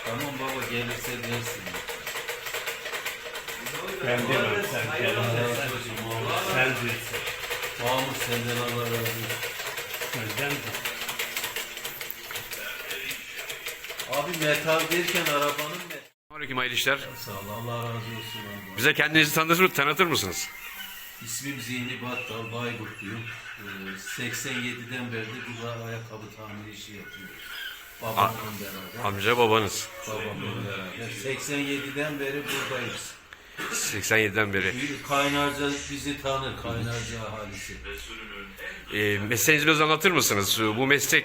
Tamam baba gelirse dersin. Ben demem sen gelirse sen bilirsin. Mahmut senden Allah razı olsun. Senden de. Abi metal derken arabanın metal. Aleyküm hayırlı işler. Sağ ol Allah razı olsun abi. Bize kendinizi tanıtır mısınız? İsmim Zihni Battal Bayburtluyum. 87'den beri de bu ayakkabı tamir işi yapıyoruz. Babamla beraber. Amca babanız. Babamla beraber. 87'den beri buradayız. 87'den beri. Kaynarca bizi tanır, Kaynarca ahalisi. Mesleğinizi biraz anlatır mısınız? Bu meslek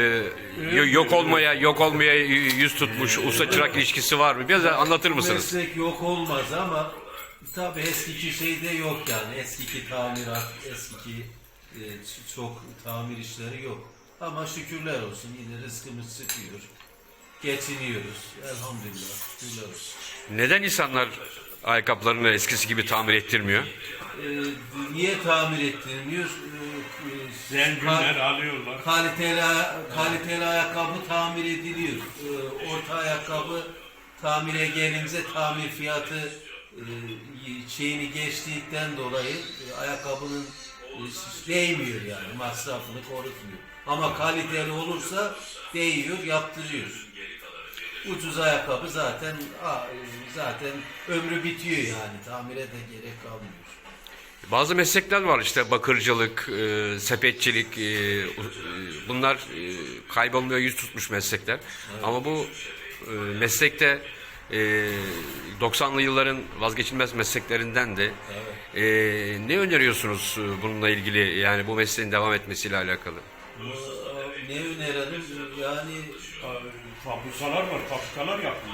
yok olmaya yüz tutmuş usta çırak ilişkisi var mı? Biraz anlatır mısınız? Meslek yok olmaz ama tabii eskiki şeyde yok yani. Eskiki tamirat, eskiki çok tamir işleri yok. Ama şükürler olsun yine rızkımız çıkıyor. Geçiniyoruz. Elhamdülillah. Şükürler olsun. Neden insanlar ayakkabılarını eskisi gibi tamir ettirmiyor? Niye tamir ettirmiyor? Zenginler alıyorlar. Kaliteli ayakkabı tamir ediliyor. Orta ayakkabı tamire gelince tamir fiyatı şeyini geçtikten dolayı ayakkabının değmiyor yani masrafını korutmuyor. Ama kaliteli olursa değiyor, yaptırıyor. Ucuz ayakkabı zaten ömrü bitiyor yani tamire de gerek kalmıyor. Bazı meslekler var işte bakırcılık, sepetçilik, bunlar kaybolmaya yüz tutmuş meslekler. Evet. Ama bu meslekte 90'lı yılların vazgeçilmez mesleklerinden de ne öneriyorsunuz bununla ilgili yani bu mesleğin devam etmesiyle alakalı? Ne önerelim yani Fabrikalar var, fabrikalar yapıyor.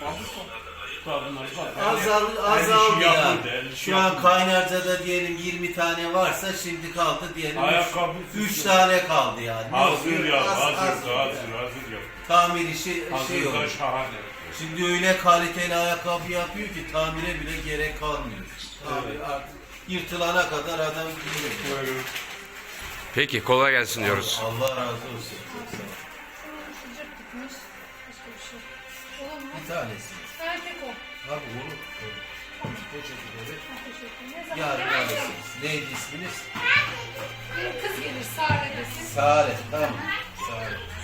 azaldı yani. Şu an Kaynarca'da diyelim 20 tane varsa şimdi kaldı diyelim 3 tane kaldı yani. Hazır yap. Tamir işi şey Hazır olur. da şahane. Şimdi öyle kaliteli ayakkabı yapıyor ki tamire bile gerek kalmıyor. Tamir artık yırtılana kadar adam giyiyor. Peki kolay gelsin diyoruz. Allah razı olsun. Sıcak tutmuş. Başka bir şey. Olur mu? Bir tanesi. Erkek o. Tabii olur. Poçeti Teşekkür. Ne zaman yarın gelir? alırsınız. Neydi isminiz? Bir kız gelir Sare desin. Sare. Tamam. Sare.